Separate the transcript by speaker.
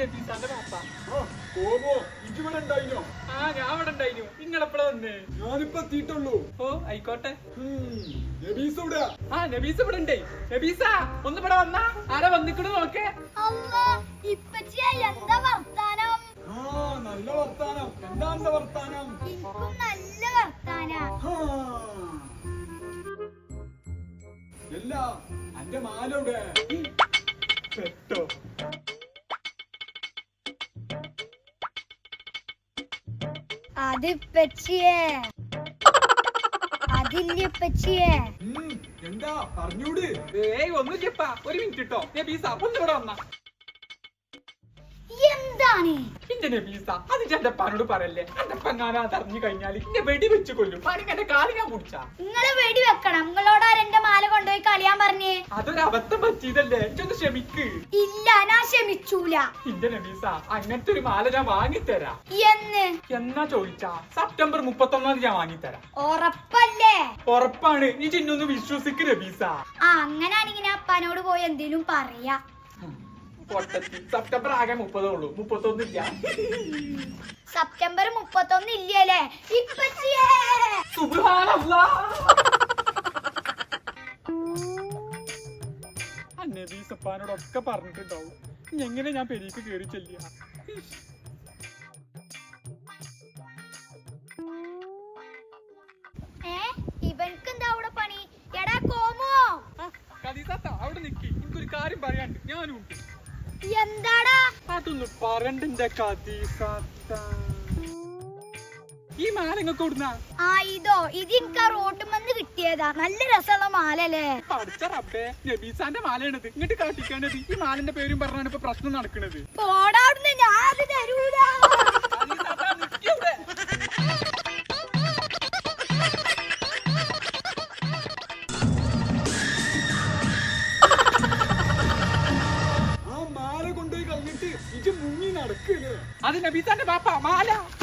Speaker 1: നബീസാന്റെ പാപ്പ.
Speaker 2: ആ ഞാൻ ഇവിടെ ഉണ്ടായിരുന്നു. നിങ്ങളെപ്പോഴാ വന്നേ?
Speaker 1: ഞാനിപ്പോ എത്തിയിട്ടുള്ളൂ.
Speaker 2: ഓ ആയിക്കോട്ടെ.
Speaker 1: നബീസ് ഇവിടെ?
Speaker 2: ആ നബീസ് ഇവിടെ ഉണ്ടേ. നബീസ ഒന്ന് ഇവിടെ വന്നാ ആരാ വന്നിക്കണു നോക്കേ.
Speaker 3: എന്താ വർത്താനം?
Speaker 1: നല്ല വർത്താനം. എന്താ എന്റെ വർത്താനം?
Speaker 3: നല്ല വർത്താനം.
Speaker 1: അല്ല എന്റെ മാലവിടെ
Speaker 2: പെട്ടോ?
Speaker 3: അത് ഇപ്പച്ചിയെ, അതില്ല ഇപ്പച്ചിയെ.
Speaker 1: എന്താ പറഞ്ഞൂട്?
Speaker 2: ഏയ് ഒന്നുമില്ലപ്പാ. ഒരു മിനിറ്റ് കേട്ടോ. നബീസ ഒന്ന് ഇവിടെ വന്നാ.
Speaker 3: എന്താണ്
Speaker 2: എന്റെ നബീസ അത് എന്റെ അപ്പാനോട് പറയല്ലേ. എന്റെ അപ്പങ്ങാനാ അറിഞ്ഞു കഴിഞ്ഞാൽ എന്നെ വെടി വെച്ച് കൊല്ലും. എന്റെ കാല് ഞാൻ കുടിച്ചാ.
Speaker 3: നിങ്ങള് വെടി വെക്കണം. നിങ്ങളോട് എന്റെ മാല കൊണ്ടുപോയി കളിയാൻ പറഞ്ഞേ.
Speaker 2: അതൊരു അബദ്ധം പറ്റിയതല്ലേ. എനിക്കൊന്ന് ക്ഷമിക്ക്.
Speaker 3: ഇല്ല ഞാൻ ക്ഷമിച്ചൂല.
Speaker 2: എന്റെ നബീസ അങ്ങനത്തെ ഒരു മാല ഞാൻ വാങ്ങിത്തരാം. എന്നാ ചോദിച്ചാ സെപ്റ്റംബർ 31 ഞാൻ വാങ്ങിത്തരാം.
Speaker 3: ഉറപ്പല്ലേ?
Speaker 2: ഉറപ്പാണ്. നീ ചിന്നൊന്ന് വിശ്വസിക്ക് നബീസ.
Speaker 3: അങ്ങനാണെങ്കിൽ ഞാൻ അപ്പാനോട് പോയി എന്തേലും പറയാ.
Speaker 2: സെപ്റ്റംബർ ആകെ 30 ഉള്ളൂ. 31 ഇല്ല.
Speaker 3: സെപ്റ്റംബർ 31 ഇല്ലല്ലേ? ഇപ്പച്ചിയെ
Speaker 2: സുബ്ഹാനല്ലാഹ്. നബീസപ്പാനോടൊക്കെ പറഞ്ഞിട്ടുണ്ടാവും. എങ്ങനെ ഞാൻ പെരീക്ക് കേറി ചെല്ലിയ.
Speaker 3: ഇവൻക്ക് എന്താ അവിടെ പണി? എടാ കോമോ,
Speaker 2: കദീസാത്ത അവിടെ നിക്കി. എനിക്കൊരു കാര്യം പറയാണ്ട്. ഞാനും ഉണ്ട്.
Speaker 3: എന്താടാ?
Speaker 2: അതൊന്ന് പറയണ്ട കദീസാത്ത. ഈ മാല ഇങ്ങക്ക് കൊടുന്നാ?
Speaker 3: ഇതോ ഇതിൻക്ക് റോട്ടുമെന്ന് കിട്ടിയതാ. നല്ല രസമുള്ള മാലല്ലേ?
Speaker 2: പഠിച്ച റബ്ബേ, നബീസാന്റെ മാലയാണിത്. ഇങ്ങോട്ട് കാട്ടിക്കാണത്. ഈ മാലിന്റെ പേരും പറഞ്ഞാണ് ഇപ്പൊ പ്രശ്നം നടക്കണത്.
Speaker 3: പോടാവിടുന്ന്. ഞാൻ അത് തരൂല.
Speaker 1: ആ മാല കൊണ്ടുപോയി കളഞ്ഞിട്ട് ഇത് മുങ്ങി നടക്കല്ലേ?
Speaker 2: അത് നബീസാന്റെ പാപ്പ മാല.